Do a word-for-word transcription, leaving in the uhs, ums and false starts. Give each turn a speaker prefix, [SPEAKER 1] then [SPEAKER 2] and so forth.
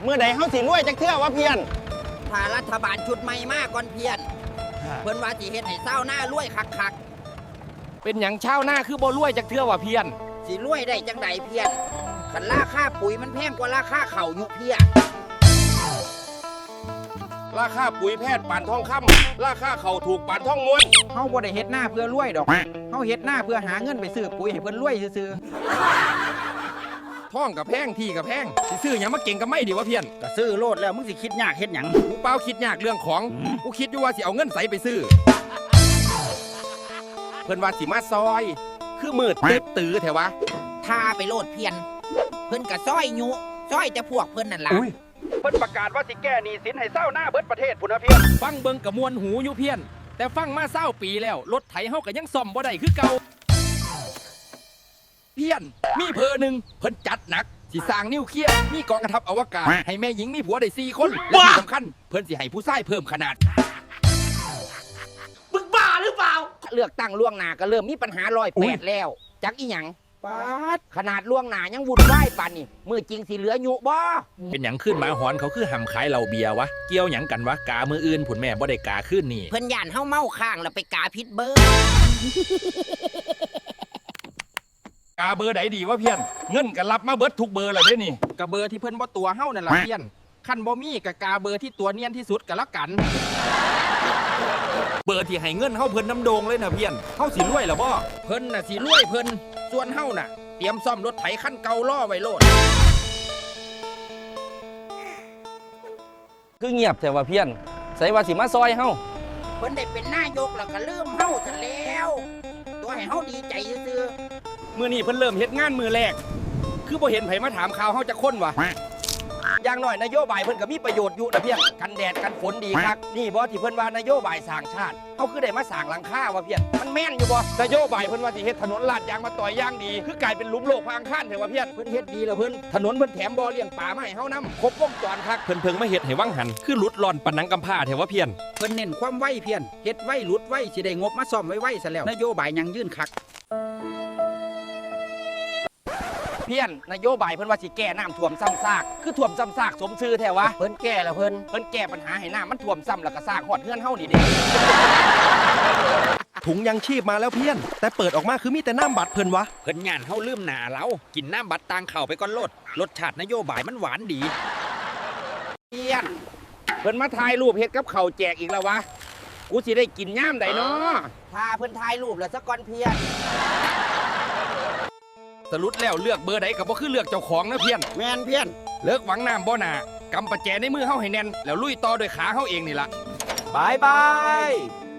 [SPEAKER 1] เมื่อใดเฮาสิรวยจักเทื่อวะเพียน
[SPEAKER 2] ถ้ารัฐบาลชุดใหม่มากก่อนเพียนเพิ่นว่าสิเฮ็ดให้เศร้าหน้ารวยคัก
[SPEAKER 3] ๆเป็นหยังเช่าหน้าคือบ่รวยจักเทื่อวะเพียน
[SPEAKER 2] สิรวยได้จังไดเพียนคันราคาปุ๋ยมันแพงกว่าราคาเข่าอยู่เพีย
[SPEAKER 1] ราคาปุ๋ยแพทย์ปานทองคำราคาเข่าถูกปานทองม้วน
[SPEAKER 4] เฮาบ่ได้เฮ็ดหน้าเพื่อรวยดอกเฮาเฮ็ดหน้าเพื่อหาเงินไปซื้อปุ๋ยให้เพิ่นรวยซื่อ
[SPEAKER 3] ท่องกับแพงที่กับแพงสิซื้อหยังมาเก่งกับไม่ดีวะเพียน
[SPEAKER 4] ก็ซื้อโลดแล้วมึงสิคิดยากเฮ็ดหยัง
[SPEAKER 3] กูเปล่าคิดยากเรื่องของกูคิดอยู่ว่าสิเอาเงินใสไปซื้อเพิ่นว่าสิมาซอยคือมืดตึ๊บตื้อแถวะ
[SPEAKER 2] ถ้าไปโลดเพียนเพิ่นก็ซอยยุซอยแต่พวกเพิ่นนั่นล่ะ
[SPEAKER 1] เพิ่นประกาศว่าสิแก้หนี้สินให้เศร้าหน้าเบิดประเทศพุ่นนะเพียน
[SPEAKER 3] ฟังเบิ่งกะมวนหูอยู่เพียนแต่ฟังมาเศร้าปีแล้วรถไถเฮาก็ยังซ่อมบ่ได้คือเก่าเพียนมีเพอหนึ่งเพิ่นจัดหนักสิสร้างนิวเคลียร์มีกองกระทัพอวกาศให้แม่หญิงมีผัวได้สี่คนและที่สำคัญเพิ่นสิให้ผู้ชายเพิ่มขนาด
[SPEAKER 2] มึงบ้าหรือเปล่าเลือกตั้งล่วงหน้าก็เริ่มมีปัญหาร้อยแปดแล้วจักอีหยังปาดขนาดล่วงหน้ายังวุ่นวายปานนี่มือจริงสิเหลืออยู่บ่
[SPEAKER 3] เป็นหยังขึ้นมาหอนเขาคือห่ำขายเหล้าเบียร์วะเกี่ยวหยังกันวะกามืออื่นผุนแม่บ่ได้กาขึ้นนี่
[SPEAKER 2] เพิ่นย่านเฮาเมาข้างแล้วไปกาพิษเบอร์
[SPEAKER 3] กาเบอร์ไหนดีวะเพี้ยนเงินก็รับมาเบิดทุกเบอร์เลยเด้นี่
[SPEAKER 4] กะเบอร์ที่เพิ่นบ่ตัวเฮานั่นล่ะเพี้ยนคันบ่มีกะกาเบอร์ที่ตัวเนียนที่สุดก็แล้วกัน
[SPEAKER 3] เบอร์ที่ให้เงินเฮาเพิ่นน้ำโดงเลยนะเพี้ยนเฮาสิรวยหรอบ่
[SPEAKER 4] เพิ่นน่ะสิรวยเพิ่นส่วนเฮาน่ะเตรียมซ่อมรถไถคันเก่าล่อไว้โลด
[SPEAKER 3] คือเงียบแต่ว่าเพี้ยนใส่ว่าสิมาซอยเฮา
[SPEAKER 2] เพิ่นได้เป็นนายกแล้วก็ลืมเฮาซะแล้วตัวให้เฮาดีใจซื่อ
[SPEAKER 3] มื้อนี้เพิ่นเริ่มเฮ็ดงานมือแรกคือบ่เห็นไผมาถามข่าวเฮาจักคนวะอย่างน้อยนโยบายเพิ่นก็มีประโยชน์อยู่นะเพี้ยนกันแดดกันฝนดีครับนี่บ่ที่เพิ่นว่านโยบายสร้างชาติเฮาคือได้มาสร้างหลังคาวะเพี้ยนมันแม่นอยู่บ่นโยบายเพิ่นว่าสิเฮ็ดถนนลาดยางมาต่อยยางดีคือกลายเป็นหลุมโลกพางคานแท้ว่าเพี้ยนเพิ่นเฮ็ดดีแล้วเพิ่นถนนเพิ่นแถมบ่อเลี้ยงปลามาให้เฮานำครบวงจรคักเพิ่นเพิ่งมาเฮ็ดให้วังหันคือหลุดหล่อนปานหนังกำพร้าแท้ว่าเพี้ยน
[SPEAKER 4] เพิ่นเน้นความไวเพี้ยนเฮ็ดไวหลุดไวสิได้งบมาซ่อมไวๆซะแล้วนโยบายยังยืนคัก
[SPEAKER 3] เพี้ยนนโยบายเพิ่นว่าสิแก้น้ำท่วมซ้ำซากคือท่วมซ้ำซากสมชื่อแท้วะ
[SPEAKER 2] เพิ่นแก้แล้วเพิ่น
[SPEAKER 3] เพิ่นแก้ปัญหาให้น้ำมันท่วมซ้ำแล้วก็ซากฮอดเฮือนเฮานี่เด้
[SPEAKER 5] ถุงยังชีพมาแล้วเพี้ยนแต่เปิดออกมาคือมีแต่น้ำบัตรเพิ่นวะ
[SPEAKER 3] เพิ่นย่านเฮาลืมหน้าเรากินน้ำบัตรต่างเข้าไปก่อนโลดรสชาตินโยบายมันหวานดี
[SPEAKER 2] เพี้ยน
[SPEAKER 3] เพิ่นมาถ่ายรูปเฮ็ดกับข้าวแจกอีกแล้ววะกูสิได้กินย่ามใดเนาะ
[SPEAKER 2] พาเพิ่นถ่ายรูปแล้วซะก่อนเพี้ยน
[SPEAKER 3] สรุปแล้วเลือกเบอร์ใดก็บ่คือเลือกเจ้าของนะเพี้ยน
[SPEAKER 2] แม่นเพี้ยน
[SPEAKER 3] เลิกหวังน้ำบ่หน้ากำประแจในมือเฮาให้แน่นแล้วลุยต่อด้วยขาเฮาเองนี่ล่ะ
[SPEAKER 5] บายบาย